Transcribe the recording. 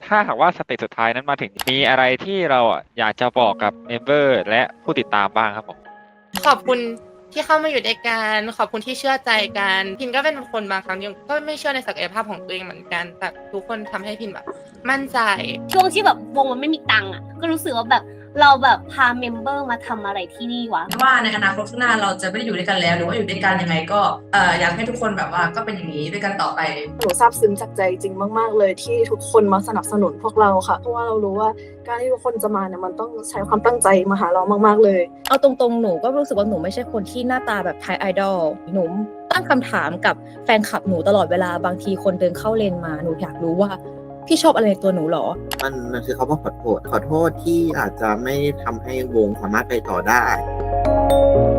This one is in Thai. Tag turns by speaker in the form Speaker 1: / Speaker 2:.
Speaker 1: ถ้าหากว่าสเตจสุดท้ายนั้นมาถึงมีอะไรที่เราอยากจะบอกกับเมมเบอร์และผู้ติดตามบ้างครับผม
Speaker 2: ขอบคุณที่เข้ามาอยู่ด้วยกันขอบคุณที่เชื่อใจกันพินก็เป็นคนบางครั้งยังก็ไม่เชื่อในศักยภาพของตัวเองเหมือนกันแต่ทุกคนทำให้พินแบบมั่นใจ
Speaker 3: ช่วงที่แบบวงมันไม่มีตังค์อ่ะก็รู้สึกว่าแบบเราแบบพาเมมเบอร์มาทำอะไรที่นี่วะ
Speaker 4: ว่าในอนาคตข้างหน้าเราจะไม่ได้อยู่ด้วยกันแล้วหรือว่าอยู่ด้วยกันยังไงก็อยากให้ทุกคนแบบว่าก็เป็นอย่างนี้ด้วยกันต่อไป
Speaker 5: หนูซาบซึ้งจากใจจริงมากๆเลยที่ทุกคนมาสนับสนุนพวกเราค่ะเพราะว่าเรารู้ว่าการที่ทุกคนจะมาเนี่ยมันต้องใช้ความตั้งใจมาหาเรามากๆเลย
Speaker 6: เอาตรงๆหนูก็รู้สึกว่าหนูไม่ใช่คนที่หน้าตาแบบไทยไอดอลหนูตั้งคำถามกับแฟนคลับหนูตลอดเวลาบางทีคนเดินเข้าเลนมาหนูอยากรู้ว่าพี่ชอบอะไรในตัวหนูหรอ
Speaker 7: มันคือเขาบอกขอโทษที่อาจจะไม่ทำให้วงสามารถไปต่อได้